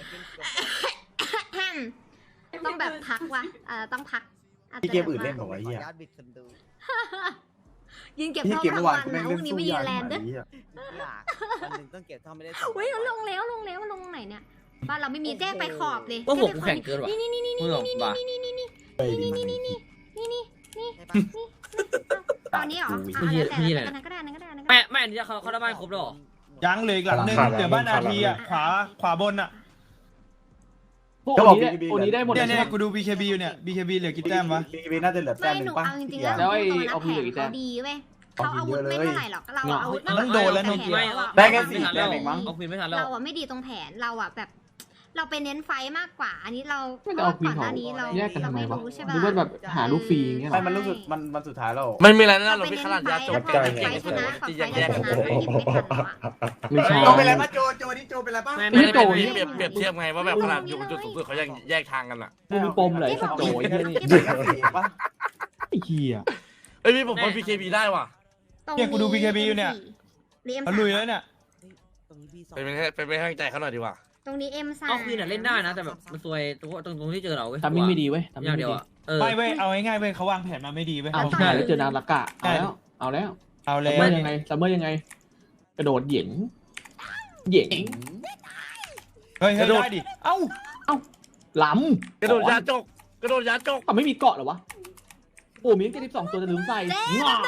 Speaker 10: ต้องแบบพักว่ะเออต้องพักาจจะ
Speaker 8: พี่เกมอื่นเล่นเหรอวะเหี้ย
Speaker 5: ญาติบิดคนดู
Speaker 10: ยืนเก็บ
Speaker 8: พี่
Speaker 10: ท่อ
Speaker 8: เกม
Speaker 10: ทั้
Speaker 8: เมื่
Speaker 10: ง
Speaker 8: อวา
Speaker 10: วัน น
Speaker 8: กูแม่
Speaker 10: นะ
Speaker 8: ง
Speaker 10: พ
Speaker 8: เล่
Speaker 10: รุ่
Speaker 8: น
Speaker 10: งนี้
Speaker 8: สู้
Speaker 10: ไม่ยื
Speaker 8: ยาน
Speaker 10: แลน
Speaker 8: ข
Speaker 10: ด์ด้
Speaker 8: นา
Speaker 10: วย
Speaker 8: ดนี้อะ
Speaker 5: อยากวันหนึ่งต้องเก็บท่อไม่ได้
Speaker 10: เฮ้ยลงแล้วลงแล้วลงไหนเนี่ยบ้านเราไม่มีเจ้ไปขอบเลย
Speaker 6: ว่าผมแข่งเกินว่ะ
Speaker 10: นี่นี่นี่นี่
Speaker 6: มึง
Speaker 10: นี่
Speaker 6: หรอ
Speaker 10: นี่
Speaker 6: บ้า
Speaker 10: นี่นี่นี่นี่
Speaker 8: เฮ้ยดี
Speaker 10: นี่
Speaker 8: มาก
Speaker 10: นี่นี่นี่นี่นี่
Speaker 5: ใช่ปะ
Speaker 10: ตอนนี้เหรอ
Speaker 6: พี่
Speaker 10: อ่ะ
Speaker 6: พี่
Speaker 10: แล้ว
Speaker 6: อะไร
Speaker 10: แต่อันนั้นก็ได้อันนั้นก็ได้อันนั้นก็
Speaker 6: แม่
Speaker 10: ได้
Speaker 6: แม่อันนี้เขาเขาได้บ้านครบแล้วหรอ
Speaker 4: ยังเหลยอีกหลังหนึงเดี๋ยวบ้านอาทีอ่ะขวาขวาบนอ่ะ
Speaker 8: ก็บอก BKB
Speaker 7: โอนี้ได้หมด
Speaker 4: เนี่ย
Speaker 7: ใช่
Speaker 4: เนี่ย
Speaker 7: ปะ
Speaker 4: กูดู บี เค บี อยู่เนี่ย บี เค บี เหลือกี่แต้มวะ
Speaker 8: บี เค บี น่าจะเหลือแต้
Speaker 10: ไม่
Speaker 8: มห
Speaker 10: ห
Speaker 8: นึ่
Speaker 10: นู
Speaker 8: งป่ะ
Speaker 10: เอาจริงๆแล้ว
Speaker 7: แล้วไอ้
Speaker 10: ตัวนั้น
Speaker 7: เอาพี่
Speaker 10: แผ
Speaker 7: เหลือกี่
Speaker 10: น
Speaker 7: แต้
Speaker 10: เขา
Speaker 7: ม
Speaker 10: ดีเว้ยเขาอาวุธไม่เท่าไหร่หรอกเราอาวุธ
Speaker 4: มันต้องโดนแล้วโนเกีย
Speaker 8: ได้แค่สี่แต้มเองมั้ง
Speaker 6: เอาคืนไม่ทันแล้ว
Speaker 10: เราอะไม่ดีตรงแผนเราอะแบบ เราไปเน้นไฟมากกว่า อันนี้เรา
Speaker 7: ไม่ได้เอาควีน
Speaker 10: ก่อนห
Speaker 7: เขา
Speaker 10: น้านี้เรา
Speaker 7: แยกกันทำไม
Speaker 10: เรา
Speaker 7: วะ
Speaker 10: รู้ใช่
Speaker 7: หรือว่าแบบหาลูกฟรีอย่างเงี้ยเหร
Speaker 8: ไม่
Speaker 7: อ
Speaker 8: มันรู้สึกมันมันสุดท้ายแล้ว
Speaker 11: มันมีอะไรนะ
Speaker 10: เรา
Speaker 11: เรา
Speaker 10: ไป
Speaker 11: พี่
Speaker 10: เน้น
Speaker 11: ขนาด
Speaker 10: ไฟ
Speaker 11: ยาจ
Speaker 10: แล้
Speaker 11: บ
Speaker 10: วพอไฟชนะฝั่ง
Speaker 11: ที่
Speaker 10: ไฟ
Speaker 11: แย
Speaker 10: เรา
Speaker 11: ก
Speaker 10: ชนะก็หยิบไม่ทันแล้วอะ
Speaker 7: ไม่ใช่
Speaker 8: โจเป็นไรปะโจโจนี่โจเป็นไรปะ
Speaker 6: ไม่
Speaker 11: ไม่
Speaker 6: ไม่
Speaker 11: ได้
Speaker 6: ได้
Speaker 11: เป็น
Speaker 6: เป็น
Speaker 11: เปรียบเปรียบเทียบไงว่าแบบขนาดอยู่จุดสูงสุดเขายังแยกทางกันอ่ะ
Speaker 7: มึงมีปมเหรอไอ้สัตว์โจยเฮียนี่
Speaker 8: เด็กสี่ปะ
Speaker 7: ไอ้เฮีย
Speaker 11: เอ้ยพี่ผมว่า พี เค บี ได้ว่ะ
Speaker 4: เนี่ยกูดู บี เค บี อยู่เนี่ย
Speaker 10: เรียม
Speaker 4: มันลุยแล้วเนี่ย
Speaker 5: ตรงนี้พี่สอง
Speaker 11: เป็นเป็นเป็นเป็นให้กำลังใจเขาหน่อยดีกว่า
Speaker 10: ตรงนี้เอ็มสาม
Speaker 6: เอาคืนอ่ะเล่นได้นะแต่แบบมันซวยตรงตรงตรงที่เจอเราเว้ย
Speaker 7: ทำมิ่งไม่ดีเว้ยทำ
Speaker 6: อ
Speaker 7: มิ่
Speaker 6: ย่าง ง
Speaker 7: ไม่
Speaker 6: เดียว
Speaker 7: ดี
Speaker 6: อ่ะเออ
Speaker 4: ไม่เว้ย เอาง่ายๆเว้ยเขาวางแผนมาไม่ดีเว้ย
Speaker 7: เอาใช่แล้วเจอนางละกะเอาแล้วเอาแล้ว
Speaker 4: เอา
Speaker 7: ซั
Speaker 4: แล้
Speaker 7: ม
Speaker 4: ว
Speaker 7: เมอร์ยังไงซัมเมอร์ยังไง กระโดดเหยิงเหยิง
Speaker 4: เฮ้ยเฮ้ยได้ดิ เอ้า
Speaker 7: ล้ำ
Speaker 11: กระโดดยาจกกระโดดยาจก
Speaker 7: อ่ะไม่มีเกาะเหรอวะโอ้มีแค่สิบสองตัวจะลืมใส่งาม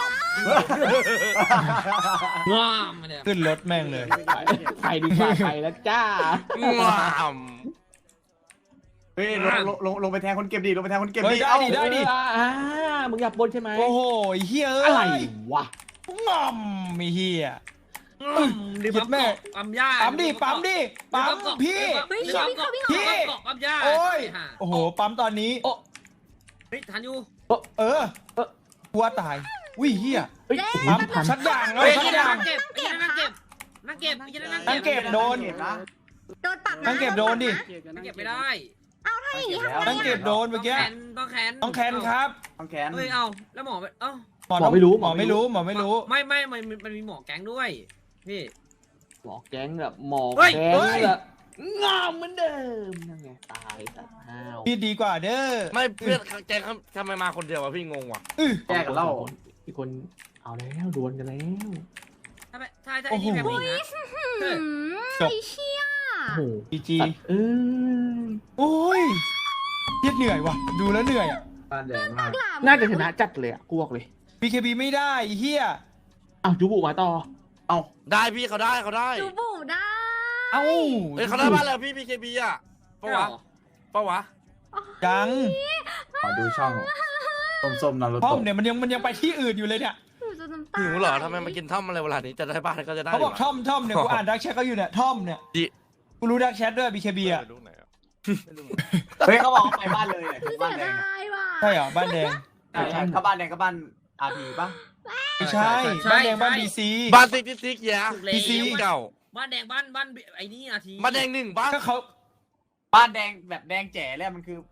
Speaker 6: งามเนี่ย
Speaker 4: ขึ้นรถแม่งเลย
Speaker 7: ใครดีกว่าใครแล้วจ้า
Speaker 11: ว้าม
Speaker 8: เฮ้ยลงลงลงลงไปแทงคนเก็บดิลงไปแทงคนเก็บ
Speaker 4: เฮ้
Speaker 8: ดิ
Speaker 4: ยได้
Speaker 8: เอ้า
Speaker 4: ดิได้ดิ
Speaker 7: อ่ามึงอยากบนใช่ไหม
Speaker 4: โอ้โหไอ้เฮียเอ้
Speaker 7: อะไร
Speaker 4: ยว
Speaker 7: ะ
Speaker 4: งอมมีเฮีย
Speaker 6: ดิ
Speaker 4: หยุดแม่
Speaker 6: ปั๊มยา
Speaker 4: ปั๊มดิปั๊มดิปั๊มพี่
Speaker 10: เฮ้ย
Speaker 6: ปั๊ม
Speaker 10: พี่
Speaker 6: เกาะ
Speaker 10: เขาพี่
Speaker 6: พี่
Speaker 10: เขา
Speaker 6: เกาะปั๊มยา
Speaker 4: โอ้ย โอ้โห ปั๊มตอนนี้
Speaker 6: เฮ้ยทันอยู่
Speaker 4: เออหัวตายวิเฮีย
Speaker 7: เฮ้ย
Speaker 4: ปั๊มชัดอย่างแล้ว
Speaker 6: เฮ้ย
Speaker 4: ชัด
Speaker 6: นั่
Speaker 4: อย่าง
Speaker 6: งเก็บนั่งเก็บนั่งเก็บนั่งเก็บ
Speaker 4: นั่งเก็บโดน
Speaker 8: นะ
Speaker 10: โดนปรับนะ
Speaker 4: นั่งเก็บโดนดิ
Speaker 6: นั่งเก็บไม่ได้
Speaker 10: ถ้าอย่างงี้ทำไง
Speaker 4: นั่งเก็บโดนเมื่อกี้
Speaker 6: ต้องแขน
Speaker 4: ต้องแคนครับ
Speaker 8: ต้องแขน
Speaker 6: เฮ้ยเอาแล้วหมอเอ้า
Speaker 4: หมอไม่รู้หมอไม่รู้หมอไม่รู้
Speaker 6: ไม่ไม่มันมันมีหมอแก๊งด้วยพี่
Speaker 7: หมอแก๊งแบบหมอ
Speaker 6: เฮ้ย
Speaker 7: แก๊งแบบงามเหมือนเดิมนั่นไงตายสัตว์ห้าว
Speaker 4: พี่ดีกว่าเด้อ
Speaker 11: ไม่เพื่อนแกเขาทำไมมาคนเดียววะพี่งงว่ะ
Speaker 8: แยกกันเล่า
Speaker 7: อีกคนเอาแล้วดวลกันแล้ว
Speaker 6: ถ้าใช่ใช่ไอ้นี่แบบนี้นะ
Speaker 10: หืม
Speaker 4: จบ
Speaker 10: ไอ้เชี่ย
Speaker 7: โอ้โห
Speaker 4: จีจี
Speaker 7: สัตว์เอ้ย
Speaker 4: โอ้ยเฮียเหนื่อยว่ะ ดูแล้วเหนื่อยอ่ะ
Speaker 8: บ้านแดงมาก
Speaker 7: น่าจะชนะจัดเลยอ่ะกูบอกเลย
Speaker 4: บี เค บี ไม่ได้เฮีย
Speaker 7: อ้าวจูบุมาต่อ
Speaker 8: เอ้า
Speaker 11: ได้พี่เขาได้เขาได้
Speaker 10: จูบูได้
Speaker 4: เอ้า
Speaker 11: เฮ้ยเขาได้บ้านแล้วพี่ พี เค บี อ่ะปะวะปะวะ
Speaker 4: ยัง
Speaker 8: ขอดูช่องส้มๆนารู
Speaker 4: ท่อ
Speaker 8: โตะ
Speaker 4: มเนี่ยมันยังมันยังไปที่อื่นอยู่เลยเนี่ย
Speaker 10: หนูจะน้ำตา
Speaker 11: หิวเหรอทำไมมากินท่อมอะไรเวลานี้จะได้บ้านก็จะได้
Speaker 4: เขาบอก
Speaker 11: วะ
Speaker 4: ท่อมท่อมเนี่ยกูอ่านดักแชทเขาอยู่เนี่ยท่อมเนี่ย
Speaker 11: ดิ
Speaker 4: กูรู้ดักแชทด้วย บี เค บี อ่ะ
Speaker 8: เฮ้ยเขาบอกเขาไปบ้านเลยเนี่ย
Speaker 10: คือ
Speaker 8: บ้าน
Speaker 10: เสีย
Speaker 8: แดง
Speaker 10: ดายว่ะ
Speaker 4: ใช่เหรอบ้านแดง
Speaker 8: ใช่ใช่ก็บ้านแดงก็บ้านอาร์พีป่ะ
Speaker 4: ไม่ใช่บ้านแดงบ้านบีซี
Speaker 11: บ้านซิกซิกซิกแย่
Speaker 4: พีซี
Speaker 11: เก่า
Speaker 6: บ้านแดงบ้านบ้านไอ้นี่อาที
Speaker 11: บ้านแดงหนึ่งบ้าน
Speaker 4: ก็เขา
Speaker 8: บ้านแดงแบบแดงแจ๋เลยมันคือ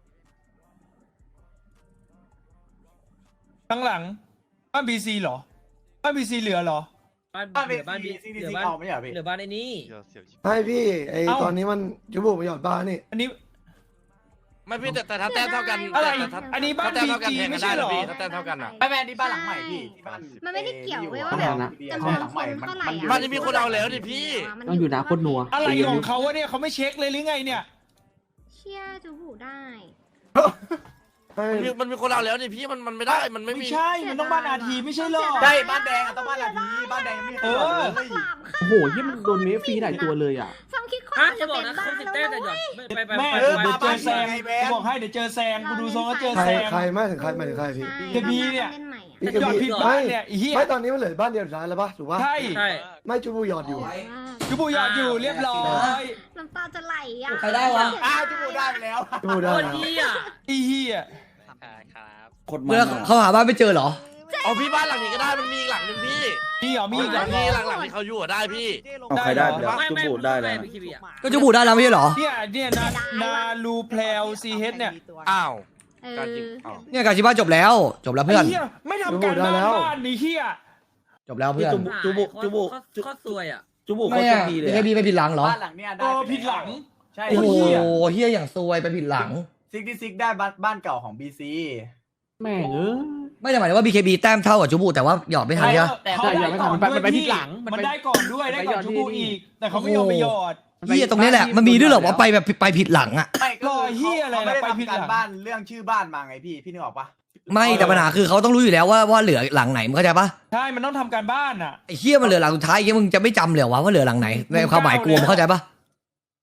Speaker 4: ข้างหลังบ้านบีซีเหรอบ้านบีซีเหลือเหรอ
Speaker 6: บ้าน
Speaker 8: บ้าน
Speaker 6: เห
Speaker 8: เป็
Speaker 6: ลื
Speaker 8: น
Speaker 6: อบ้าน
Speaker 8: ซี
Speaker 6: บี
Speaker 8: ซี
Speaker 6: เหลื
Speaker 8: ซี
Speaker 6: อบ้าน
Speaker 8: เอาไม่ใช่เหรอพี่
Speaker 6: เหลือบ้านไอ้นี่
Speaker 12: ใช่พี่ไอ
Speaker 4: เอ้า
Speaker 12: ตอนนี้มันจุบุมาหยอดบ้านนี่
Speaker 4: อันนี้
Speaker 11: ไม่พี่แต่แต่ถ้าแต้มเท่ากัน
Speaker 4: อะไร
Speaker 11: แต่ถ้า
Speaker 4: อันนี้บ้าน
Speaker 11: ถ้าแต้ม
Speaker 4: บี
Speaker 11: เท่ากัน
Speaker 4: จี
Speaker 11: แทงกั
Speaker 4: ไม่
Speaker 11: น
Speaker 4: ใช่
Speaker 11: ได้
Speaker 4: เหร
Speaker 11: นะ
Speaker 4: อ
Speaker 11: พี่ถ้าแต้มเท่ากันอ่ะ
Speaker 8: ไม่แม่นี่บ้านหลังใหม่พี่ที่บ้าน
Speaker 10: มันไม่ได้เกี่ยวเว้ยว่า
Speaker 8: แบ
Speaker 10: แบบ บ
Speaker 8: เใช่หลังใหม่มันมัน
Speaker 11: บ้านนี้มีคนเอาแล้วดิพี่
Speaker 7: ต้องอยู่นะโคตรนัว
Speaker 4: อะไรของเขาวะเนี่ยเขาไม่เช็คเลยหรือไงเนี่ย
Speaker 10: เชี่ยจูบูได้
Speaker 12: ให้
Speaker 11: มันมีมันมีคนเอาแล้วดิพี่มันมันไม่ได้มันไม่
Speaker 4: ไม่
Speaker 11: มี
Speaker 4: ใช่ มันต้องบ้านอาทีไม่ใช่เหรอ
Speaker 8: ใช่บ้านแดงอะต้องบ้านอาร์พีบ้านแดงยังไม่เคยเอาเลย
Speaker 7: โอ้โหยี่มันโดนเมฟฟรีหลายตัวเลยอ่ะ
Speaker 10: ซ้ำคิดคน
Speaker 6: ฮะ
Speaker 10: จะ
Speaker 6: จะบอ
Speaker 10: เป็
Speaker 6: ก
Speaker 10: น
Speaker 6: นะ
Speaker 10: บ้า
Speaker 6: เขา
Speaker 10: น
Speaker 6: สิบ
Speaker 10: แล้ว
Speaker 6: แต้มแต่หยอด
Speaker 10: เว้ย
Speaker 6: ไปไป
Speaker 4: แม่
Speaker 6: ไป
Speaker 4: เออ
Speaker 6: ไป
Speaker 4: เดี๋ยวเจอแซง
Speaker 8: ไงแบ
Speaker 4: กู
Speaker 8: ง
Speaker 4: บอกให้เดี๋ยวเจอแซงกูดูทรงแล้วเจอ
Speaker 12: ใคร
Speaker 4: แซง
Speaker 12: ใครไม่ถึงใครไม่ถึงใครพี่
Speaker 4: เดี๋ยวพี่เนี่ย
Speaker 10: เล่นใหม่อะ
Speaker 12: พี่
Speaker 4: หยอดผิดบ้านเนี่ยไอ้เหี้ย
Speaker 12: ไม่ตอนนี้มันเหลือบ้านเดียวสุดท้ายแล้วปะถูกปะ
Speaker 4: ใช่
Speaker 6: ใช่
Speaker 12: ไม่จุบุหยอดอยู่
Speaker 4: จูบูหยอดอยู่เรียบร้อย
Speaker 10: น้ำตาจะไหลอ่ะ
Speaker 6: ใครได้วะ
Speaker 8: อ้าวจมูกได้ไปแล้ว
Speaker 12: จุบุได้
Speaker 6: โคตร
Speaker 12: แล้ว
Speaker 6: ดีอ่ะ
Speaker 4: อีเหี้ย
Speaker 2: เมื่อเขาหาบ้านไม่เจอเหรอ
Speaker 11: เอาพี่บ้านหลังนี้ก็ได้มันมีอีกหลังหนึ่งพี่
Speaker 4: มีเหรอมี
Speaker 11: มี
Speaker 4: อีก
Speaker 11: ห
Speaker 4: เหร
Speaker 11: ลั
Speaker 4: อง
Speaker 11: นี้หลังหลังที่เขาอยู่อะได้พี่
Speaker 4: ได้เหรอ
Speaker 6: ไม่ไม่ได้แล้ว
Speaker 2: ก็จุบุได้แล้วไม่ใช่เหรอ
Speaker 4: เนี่ยเนี่ยนานาลูแพลวซีเฮดเนี่ย
Speaker 11: อ้าว
Speaker 10: เออ
Speaker 11: การจริงอ้าว
Speaker 2: เนี่ยการชิบ้าจบแล้ว จบแล้วเพื่อน
Speaker 4: ไเหี้ยไม่ทำการบ้านบ้านนี่เหี้ย
Speaker 2: จบแล้วเพื่อน
Speaker 6: จุบุจุบุโคตรซวยอ่ะ
Speaker 7: จูบุ
Speaker 2: ไม่
Speaker 7: เขาโช
Speaker 2: อะ
Speaker 7: คดีเลย
Speaker 2: พีเคบีไปผิดหลังเหรอ
Speaker 8: บ้านหลังเนี้ยได้
Speaker 4: เออผิดหลัง
Speaker 8: ใช่
Speaker 2: โอ้โห
Speaker 4: เหี้ย
Speaker 2: เฮียอย่างซวยไปผิดหลัง
Speaker 8: ซิกที่ซิกได้บ้านบ้านเก่าของบีซี
Speaker 7: แม่งเออ
Speaker 2: ไม่ได้หมายถึงว่า บี เค บี แต้มเท่ากับจุบุแต่ว่าหยอดไม่ทันใช่ไหม
Speaker 4: แต่เขาได้ก่อน
Speaker 7: มันไป
Speaker 4: ด้วย
Speaker 7: มันไป
Speaker 4: พี่
Speaker 7: ผิดหลังมันไป
Speaker 4: มันได้ก่อนด้วยได้ก่อน
Speaker 7: มันไป
Speaker 4: จู
Speaker 7: หยอด
Speaker 4: บู
Speaker 7: ที่
Speaker 4: อีก แต่เขาไม่ยอมไปหยอด
Speaker 2: เฮียตรงนี้แหละมันมีด้วยเหรอว่าไปแบบไปผิดหลังอะ
Speaker 8: ไม่ก็
Speaker 4: รอเหี้ยอะไร
Speaker 8: เขาไม่ได้
Speaker 4: ไปผิดหลั
Speaker 8: ทำ
Speaker 4: ง
Speaker 8: การบ้านเรื่องชื่อบ้านมาไงพี่พี่นึกออกปะ
Speaker 2: ไม่แต่ปัญหาคือเขาต้องรู้อยู่แล้วว่าว่าเหลือหลังไหนมึงเข้าใจปะ
Speaker 4: ใช่มันต้องทำการบ้านอ่ะ
Speaker 2: ไอ้เฮียมันเหลือหลังสุดท้ายเฮียมึงจะไม่จำเลยเหรอวะว่าเหลือหลังไหนในความหมายกูมึงเข้าใจปะ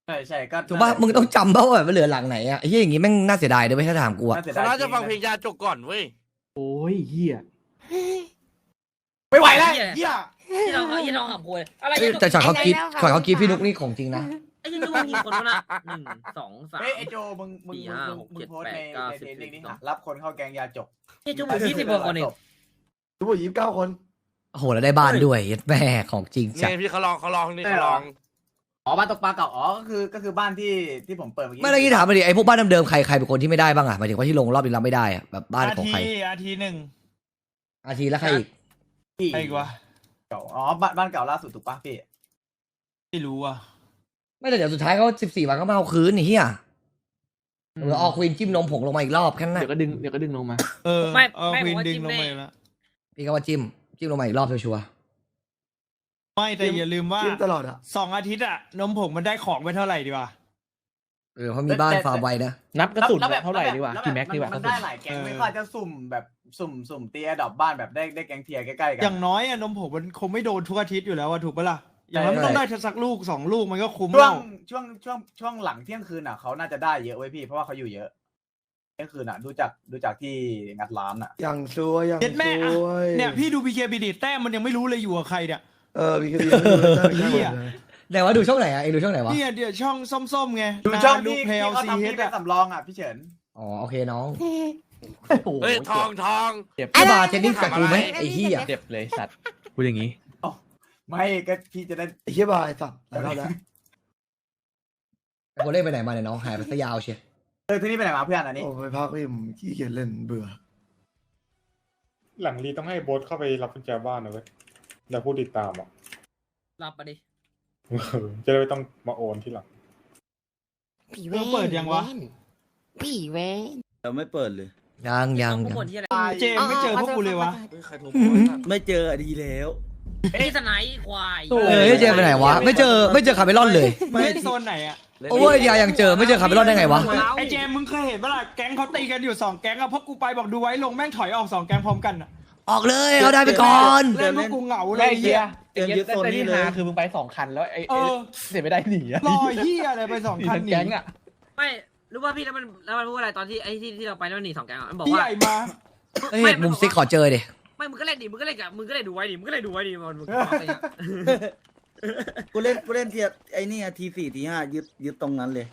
Speaker 8: ใช่ใช่ก็
Speaker 2: ถูกป่ะมึงต้องจำเพราะว่าแบบเหลือหลังไหนอะไอ้เหี้ยอย่างงี้แม่งน่าเสียดายด้วยไม่ถ้าถามกูอะ
Speaker 11: เขาน่าจะฟังเพลงยาจกก่อนเว้ย
Speaker 7: โอ้ยเฮีย
Speaker 8: ไม่ไหวแล้วเฮีย
Speaker 6: ที่เราที่เราขับโวยอะไร
Speaker 2: เอ้ยแต่ช็อตเขากรีดช็อตเขากรีดพี่นุกนี่ของจริงนะ
Speaker 6: ไอ้ยังนึกว่ามีคนนะหนึ่งสองสาม
Speaker 8: เฮ้ยไอโจมึงมึง
Speaker 6: สี่
Speaker 8: มึง
Speaker 6: ห้า
Speaker 8: มึง
Speaker 6: หก
Speaker 8: มึ
Speaker 6: เจ็
Speaker 8: ง
Speaker 6: ด
Speaker 8: โพส
Speaker 6: แป
Speaker 8: ใน
Speaker 6: ดเก้า
Speaker 8: ใน
Speaker 6: สิบ
Speaker 8: ใน
Speaker 6: สิบ
Speaker 8: นี้
Speaker 6: สอง
Speaker 8: รับคนเข้าแกงยาจก
Speaker 6: เฮ้ยจุ๊บยี่สิบกว่าคนเอง
Speaker 12: ทุกคนยี่สิบเก้าคน
Speaker 2: โอ้โหแล้วได้บ้านด้วยแม่ของจริงจัด
Speaker 11: นี่พี่เขาลองเขาลองนี่เขาลอง
Speaker 8: อ๋อบ้านตกปลาเก่าอ๋อก็คือก็คือบ้านที่ที่ผมเปิดเมื่อกี้
Speaker 2: ไม่ได้กี้ถามมาดิไอ้พวกบ้านเดิมๆใครใครเป็นคนที่ไม่ได้บ้างอะหมายถึงว่าที่ลงรอบนี้เราไม่ได้อะแบบบ้าน
Speaker 4: อา
Speaker 2: ของ
Speaker 4: ที
Speaker 2: ใคร
Speaker 4: อาทีหนึ่ง
Speaker 2: อาทีแล้วใครอีก
Speaker 8: ที่
Speaker 4: ใครอีกวะ
Speaker 8: เก่าอ๋อบ้านบ้านเก่าล่าสุดถูกปะพี่
Speaker 4: ไม่รู้อ่ะ
Speaker 2: ไม่แต่เดี๋ยวสุดท้ายเขาสิบสี่วันก็มาเอาคืนนี่เฮียหรือออกควีนจิ้มนมผงลงมาอีกรอบแค่นั้น
Speaker 7: เดี๋ยว
Speaker 2: นะ
Speaker 7: ก็ดึงเดี๋ยวก็ดึงลงมา
Speaker 4: เออ
Speaker 6: ไม่
Speaker 4: เอา
Speaker 6: ไม่
Speaker 4: ควี
Speaker 6: ผม
Speaker 4: น
Speaker 6: ว่า
Speaker 4: ดึง
Speaker 6: จิ้ม
Speaker 4: ลง
Speaker 6: ได้
Speaker 4: ไปแล้ว
Speaker 2: พี่ก็ว่าจิ้มจิ้มลงมาอีกรอบชัวร์
Speaker 4: ไม่แต่อย่าลืมว่า
Speaker 12: จิ้มตลอดอะ
Speaker 4: สองอาทิตย์อะนมผงมันได้ของไปเท่าไหร่ดีวะ
Speaker 2: ๆเออเขามีบ้านฟาร์มไว้นะ
Speaker 7: นับกระสุน
Speaker 8: แล้วแบบ
Speaker 7: เท่าไหร่ดีกว่า
Speaker 8: แล้
Speaker 7: กี่แม็กดีกว่า
Speaker 8: มัน
Speaker 7: กระสุ
Speaker 8: ได้
Speaker 7: น
Speaker 8: หลายแก๊ง
Speaker 4: เออ
Speaker 8: ไม่ค่อยจะสุ่มแบบสุ่มสุ่มเตียดอกบ้านแบบได้ได้แก๊งเทียร์ใกล้ๆกั
Speaker 4: อย่างน้อยอะนมผงมันคงไม่โดนทุกอาทิตย์อยู่แล้วอะถูกปะล่ะอย่างน้อยมันต้องได้สักลูกสองลูกมันก็คุ้ม
Speaker 8: ช่ว
Speaker 4: แล้
Speaker 8: ง
Speaker 4: ว
Speaker 8: ช่วงช่วงช่วงหลังเที่ยงคืนอ่ะเขาน่าจะได้เยอะไว้ยพี่เพราะว่าเขาอยู่เยอะเที่ยงคืนอ่ะดูจากดูจากที่งัดร้านอ่ะ
Speaker 12: อย่างซวยอย่าง
Speaker 4: เด็ดแม่
Speaker 12: ซ
Speaker 4: อะ
Speaker 12: วย
Speaker 4: เนี่ยพี่ดูบีเคบีดีแต้มมันยังไม่รู้เลยอยู่กับใครเนี่ย
Speaker 12: เออมีคดีไม่รู้เลย
Speaker 4: เหี้ย
Speaker 2: แต่ว่าดูช่องไหนอะเองดูช่องไหนวะ
Speaker 4: เนี่ยเดี๋ยวช่องส้มๆไง
Speaker 8: ดูช่อง
Speaker 4: ดู
Speaker 8: ที่
Speaker 4: เพล
Speaker 8: ที่เขา
Speaker 4: ซี
Speaker 8: ทำ
Speaker 4: เฮ
Speaker 8: ที่
Speaker 4: ด
Speaker 8: เป็น
Speaker 4: อะ
Speaker 8: สำรองอ่ะพี่เฉิน
Speaker 2: อ๋อโอเคน้อง
Speaker 11: เฮ้ยทองทอง
Speaker 7: เจ็บ
Speaker 2: ไอ้บาร์เทนนิ่งกับกูไหมไอ้เหี้ย
Speaker 7: เจ็บเลยสัตว์พูดอย่างงี้
Speaker 8: ไม่ก็พี่จะได้
Speaker 12: ไอ้เหี้ยบายสัตว์หลายรอบแล้ว
Speaker 2: ไอ้คนเล่นไปไหนมาเนี่ยน้องหายไปซะยาวเชีย
Speaker 8: เออที่นี่ไปไหนมาเพื่อนอันนี้
Speaker 12: โอ้ไปพักพี่ผมขี้เกียจเล่นเบื่อ
Speaker 13: หลังรีต้องให้โบ๊ทเข้าไปรับกุญแจบ้านนะเว้ยแล้วผู้ติดตามอ่ะ
Speaker 6: รับมาดิ
Speaker 13: จะได้ไม่ต้องมาโอนที่หลัง
Speaker 4: ผีเว้เปิดยังวะ
Speaker 5: ผีเว้เราไม่เปิดเลย
Speaker 2: ยังยัง
Speaker 6: พวก
Speaker 2: ยัง
Speaker 6: คนที่อะไร
Speaker 4: เจมส์ไม่เจอพวกกูเลยวะ
Speaker 5: ไม่เจออะดีแล้ว
Speaker 6: นี่สไนป์ควาย
Speaker 2: เออเจมไปไหนวะไม่เจอไม่เจอคาเมลอนเลย
Speaker 4: ไม่โซนไหนอะ
Speaker 2: โอ้ยยายังเจอไม่เจอคาเมลอนได้ไงวะ
Speaker 4: ไอเจมส์มึงเคยเห็นปะล่ะแก๊งเขาตีกันอยู่สองแก๊งอะพวกกูไปบอกดูไว้ลงแม่งถอยออกสองแก๊งพร้อมกันอะ
Speaker 2: ออกเลยเอาได้ไปก่อน
Speaker 4: เล่นพวกกูเหงาเล
Speaker 7: ไอ้
Speaker 4: ย
Speaker 7: เหี้ย
Speaker 5: เตรียมยึดโซนนี้เลย
Speaker 7: คือมึงไปสองคันแล้วไอ้
Speaker 4: เออ
Speaker 7: เสียไม่ได้หนีอะ
Speaker 4: รอเฮียอะไรไปสองคันหนี
Speaker 7: แก๊งอะ
Speaker 6: ไม่รู้ว่าพี่แล้วมันแล้วมันพูดอะไรตอนที่ไอ้ที่ที่เราไปแล้วมันหนีสองแก๊งอะมันบอก
Speaker 4: พี่
Speaker 6: ว่า
Speaker 4: ใหญ่มา
Speaker 2: เฮ้ยมุมซิกขอเจอดิ
Speaker 6: ไม่มึงก็เล่นดิมึงก็เล่นกับมึงก็เล่นดูไว้ดิมึงก็เล่นดูไว้ดิมันมึงอะไรเงี้ย
Speaker 5: กูเล่นกูเล่นเทียไอ้นี่ทีสี่ทีห้ายึดยึดตรงนั้นเลย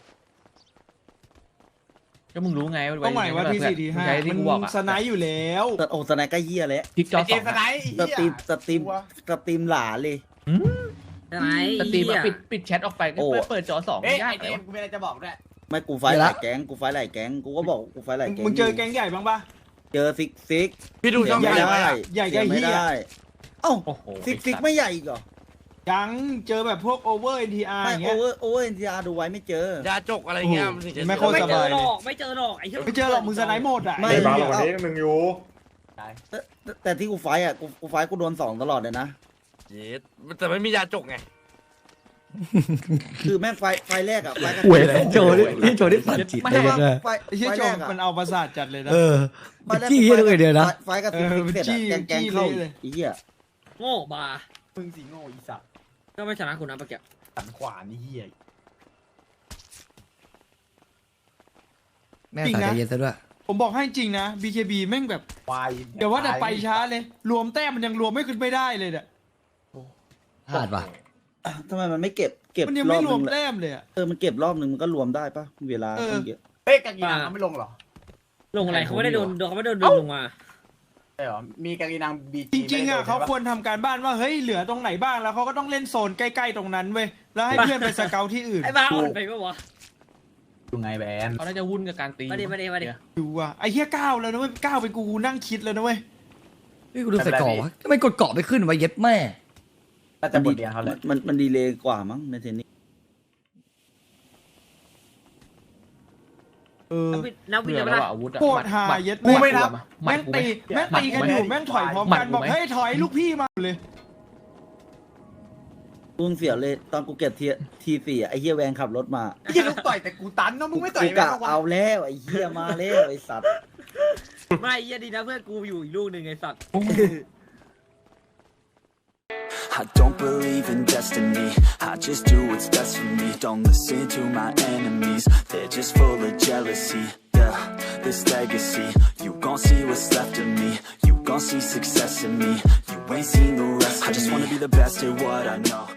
Speaker 7: ก็มึงรู้ไง
Speaker 4: ต้องไหนว่าทีสี่ทีห้า
Speaker 7: ที่
Speaker 4: มัน
Speaker 7: กูบอกอะ
Speaker 4: สไนด์อยู่แล้ว
Speaker 5: แต่โอ้สไนก็เหี้ยแล้ว
Speaker 7: พลิกจอ
Speaker 8: ไอเจ
Speaker 7: สอ
Speaker 8: ม
Speaker 7: ง
Speaker 8: ส์สไน
Speaker 7: อะ
Speaker 8: ท์ไอ้
Speaker 5: ส
Speaker 8: เหี้ย
Speaker 5: ตรีมสตรีมสตรีมหลาเลย
Speaker 6: สไนป์
Speaker 7: สตรีมอะ
Speaker 6: เหี้ย
Speaker 7: ปิดปิดแชทออกไปก็
Speaker 5: โอ้
Speaker 7: เปิดจอสอง
Speaker 8: เอ้ย
Speaker 7: ยา
Speaker 8: ไอก เจ
Speaker 7: เล
Speaker 8: ม
Speaker 7: ย
Speaker 8: ส์กูมีอะไรจะบอกด้วย
Speaker 5: ไม่กูไฟท์หลายแก๊งกูไฟท์หลายแก๊งกูก็บอกกูไฟท์หลายแก๊ง
Speaker 4: มึงเจอแก๊งใหญ่บ้างปะ
Speaker 5: เจอซิกซิก
Speaker 11: พี่ดูช่อง
Speaker 5: เสีย
Speaker 11: ไหน
Speaker 5: ไม่ได้
Speaker 4: ใหญ่
Speaker 5: เสีย
Speaker 4: ใหญ่
Speaker 5: ไม่
Speaker 4: เหี้ย
Speaker 5: ได้เอ้า
Speaker 7: โอ้โห
Speaker 5: ซิกซิกไม่ใหญ่อีกเหรอ
Speaker 4: ยังเจอแบบพวกโอเวอร์เอ็นทีอาร์
Speaker 5: ไม่
Speaker 4: อย่าง
Speaker 5: โอ
Speaker 4: เงี้ย
Speaker 5: เวอร์โอเวอร์เอ็นทีอาร์ดูไว้ไม่เจอ
Speaker 11: ยาจกอะไรเงี้ยนถึงจะ
Speaker 4: ไม่โคตร
Speaker 6: ไม่
Speaker 4: ส
Speaker 6: เจ
Speaker 4: บา
Speaker 6: อย หรอกไม่เจอหรอกไอ้เหี้ย
Speaker 4: ไม่เจอหรอกมึงสไนด์หมดอ่ะ
Speaker 5: ไม่
Speaker 13: ในบ้านเราวันนี้หนึ่งอยู่
Speaker 5: แต่แต่แต่ที่กูไฟท์อ่ะกูกูไฟท์กูโดนสองตลอดเลยนะ
Speaker 11: เย็ดแต่ไม่มียาจกไง
Speaker 5: คือแม่งไฟไฟแรกอ่ะไฟกับ
Speaker 2: เว้ยโจนี่นี่โจนี่ฝันจิต
Speaker 5: ไม่
Speaker 2: ได้
Speaker 5: ใช่
Speaker 2: ยังไง
Speaker 5: ว่าไฟ
Speaker 4: ไอ้เชี่ย
Speaker 5: ไฟ
Speaker 4: โจ
Speaker 5: แร
Speaker 4: ม
Speaker 5: กอ่ะ
Speaker 4: มันเอาประสาทจัดเลยนะ
Speaker 2: เออ
Speaker 5: ไฟแรก
Speaker 2: จี้ให้ด้วยเดียวนะ
Speaker 5: ไฟไฟกับซิกซิกเสร็จ
Speaker 4: เออจี้
Speaker 5: อะแกงแกง
Speaker 4: จี้
Speaker 5: เข้า
Speaker 4: เลย
Speaker 5: อีเหี้ย
Speaker 6: โง่บา
Speaker 8: มึงสีโง่อีสัตว์
Speaker 6: ก็ไม่ชนะคุณนะปะแก
Speaker 8: สันขวานนี่เหี้ย
Speaker 2: แม่สายใจเย็นซะด้วย
Speaker 4: ผมบอกให้จริงนะ บี เค บี แม่งแบบ
Speaker 8: ควาย
Speaker 4: เดี๋ยวว่าแต่ไปช้าเลย รวมแต้มมันยังรวมไม่ขึ้นไม่ได้เลยเนี่ย
Speaker 2: พลาดว่ะ
Speaker 5: ทำไมมันไม่เก็บเก็บ
Speaker 4: มันยัง
Speaker 5: รอ
Speaker 4: ไม่
Speaker 5: บ
Speaker 4: รวม
Speaker 5: นึงเลย
Speaker 4: แต้มเลยอะ
Speaker 5: เออมันเก็บรอบนึงมันก็รวมได้ปะเวลา
Speaker 4: เออ
Speaker 5: ต้องเยอะ
Speaker 8: เฮ้ยกากีนังเขาไม่ลงเหรอ
Speaker 6: ลงอะไรเขาไม่ได้โดนเขาไม่ได้โดนดึงลงมา
Speaker 8: ใช่เหรอมีกากีนังบี
Speaker 4: จริงๆอ่ะเขาควรทำการบ้านว่าเฮ้ยเหลือตรงไหนบ้างแล้วเขาก็ต้องเล่นโซนใกล้ๆตรงนั้นเว้ยแล้วให้เพื่อนไปสเกาที่อื่น
Speaker 6: ไอ้บ้าอ่อนไปปะวะ
Speaker 8: ดูไงแบน
Speaker 7: เขาน่าจะวุ่นกับการตี
Speaker 6: มาดิมาดิมาดิ
Speaker 4: ดูอ่ะไอ้เหี้ยก้าวแล้วนะเว้ยก้าวไปกูกูนั่งคิดแล้วนะเว้ย
Speaker 2: นี่กูดูใส่เกาะวะทำไมกดเกาะไปขึ้นวะเย็ดแม่
Speaker 8: น่าจะบทเรียนเขาแหละ
Speaker 5: มันมันดีเลยกว่ามั้งในเทนนิส
Speaker 4: เออ
Speaker 6: นักบิน
Speaker 7: เบื่อ
Speaker 6: เป
Speaker 7: แล้ว
Speaker 6: ล่า
Speaker 7: อะอาวุธอะ
Speaker 4: โคตรหาเย็ด
Speaker 7: กูไม่รับ
Speaker 4: แม่งตีแม่งตีกันอยู่แม่งถอยพร้อมกันบอกเฮ้ยถอยลูกพี่มาเลย
Speaker 5: กูเสียเลยตอนกูเก็บทีทีสี่อะไอ้เหี้ยแวงขับรถมา
Speaker 8: ไอ้เหี้ยลูกต่อยแต่กูตันเนาะมึงไม่ต่อย
Speaker 5: กู
Speaker 8: แม่
Speaker 5: กะ
Speaker 8: งวะ
Speaker 5: เอาแล้วไอ้เหี้ยมาแล้วไอ้สัตว์
Speaker 6: ไม่เหี้ยดีนะเพื่อนกูอยู่อีกลูกหนึ่งไอ้สัตว์
Speaker 14: I don't believe in destiny, I just do what's best for me. Don't listen to my enemies, they're just full of jealousy. Yeah, this legacy, you gon' see what's left of me. You gon' see success in me, you ain't seen the rest of me. I just wanna be the best at what I know.